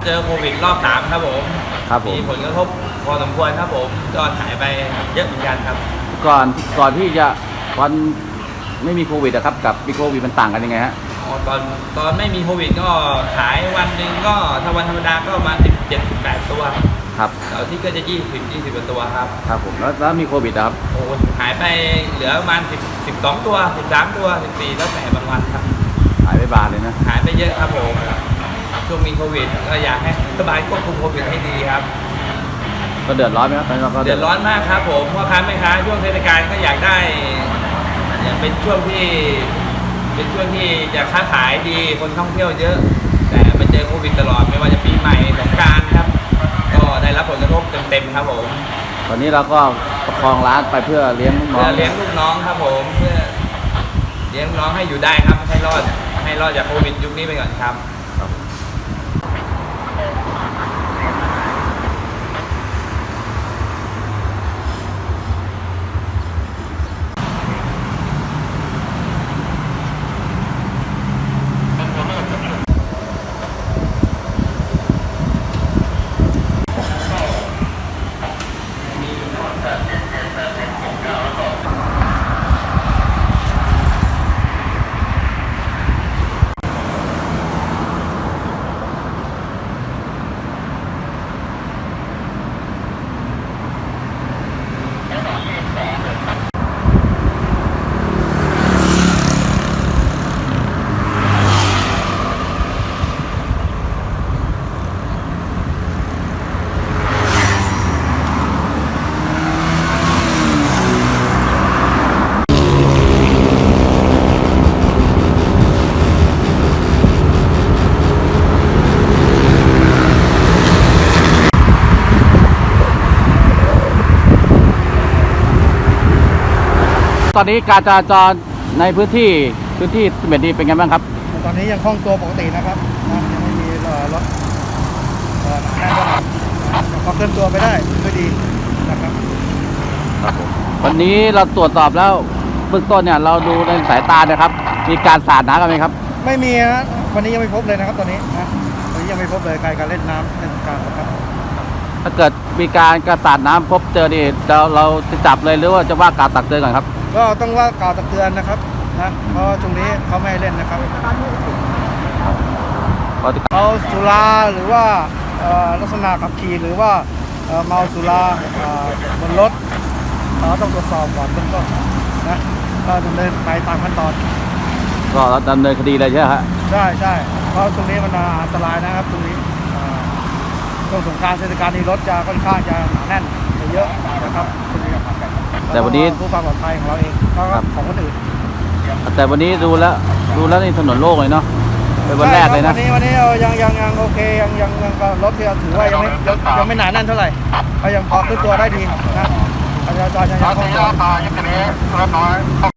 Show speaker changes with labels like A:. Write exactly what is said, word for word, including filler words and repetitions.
A: เจอโควิดรอบสามครับผม
B: ครับผม
A: มีผลกระทบพอสมควรครับผมยอดหายไปเยอะเหมือนกันครับ
B: ก่อนก่อนที่จะตอนไม่มีโควิดอะครับกับมีโควิดมันต่างกันยังไงฮะ
A: ตอนตอนไม่มีโควิดก็ขายวันหนึ่งก็ถ้าวันธรรมดาก็ประมาณสิบเจ็ดสิบแปดตัว
B: ครับ
A: เสาร์ที่ก็จะยี่สิบยี่สิบตัวครับ
B: ครับผมแล้วแล้วมีโควิดครับ
A: โอ้หายไปเหลือประมาณสิบสิบสองตัวสิบสามตัวสิบสี่แล้วแต่บางวันครับ
B: หายไปบานเลยนะ
A: หายไปเยอะครับผมช่วงมีโควิดก็อยากให้รัฐบาลควบคุมโควิดให้ดีครับ
B: ก็เดือดร้อนไหมครับตอนนี้เราก็
A: เดือดร้อนมากครับผมพ่อค้าแม่ค้าช่วงเทศกาลก็อยากได้อย่างเป็นช่วงที่เป็นช่วงที่จะค้าขายดีคนท่องเที่ยวเยอะแต่มาเจอโควิดตลอดไม่ว่าจะปีใหม่สงกรานต์ครับก็ได้รับผลกระทบเต็มๆครับผม
B: ตอนนี้เราก็ประคองร้านไปเพื่อเลี้ยงลูกน้อง
A: เพื่อเลี้ยงลูกน้องครับผมเพื่อเลี้ยงน้องให้อยู่ได้ครับให้รอดให้รอดจากโควิดยุคนี้ไปก่อนครับ
B: ตอนนี้การจราจรในพื้นที่พื้นที่สิบเอ็ดนี้เป็นไงบ้างครับ
C: ตอนนี้ยังคล่องตัวปกตินะครับยังไม่มีรถหนาแน่นเท่าไหร่พอเคลื่อนตัวไปได้ก็ดีนะครับ
B: ครับผมวันนี้เราตรวจสอบแล้วเบื้องต้นเนี่ยเราดูในสายตานะครับมีการสาดน้ำกันไหมครับ
C: ไม่มีฮะวันนี้ยังไม่พบเลยนะครับตอนนี้นะวันนี้ยังไม่พบเลยการการเล่นน้ำเล่นการนะครับ
B: ถ้าเกิดมีการกระสาดน้ำพบเจอนี่เราเราจะจับเลยหรือว่าจะว่ากล่าวตักเตือนก่อนครับ
C: ก็ต้องว่ากล่าวตักเตือนนะครับนะเพราะตรงนี้เขาไม่ให้เล่นนะครับเอาสุราหรือว่าลักษณะขับขี่หรือว่าเมาสุราบนรถเราต้องตรวจสอบก่อนเบื้องต้นนะก็ดำเนินไปตามขั้นตอน
B: ก็ดำเนินคดีเลยใช่ไหมฮะ
C: ใช่ใช่เพราะตรงนี้มันอันตรายนะครับตรงนี้ช่วงสงกรานต์เทศกาลนี้รถจะค่อนข้างจะหนาแน่นเยอะนะครับตรงนี้
B: แต่วันนี้
C: ผู้ความปลอดภัยของเราเองก็ของคนอื่น
B: แต่วันนี้ดูแล้วดูแล้วในถนนโล่งเลยเนาะเป็นวันแรกเลยนะ
C: วันนี้วันนี้ยังยังยังโอเคยังยังยังรถที่เราถือว่ายังไม่ยังไม่หนาแน่นเท่าไหร่ก็ยังพอขึ้นตัวได้ดีนะประชาชนยังยังคล่องตัว
D: ยังนี้รถน้อยคล่อง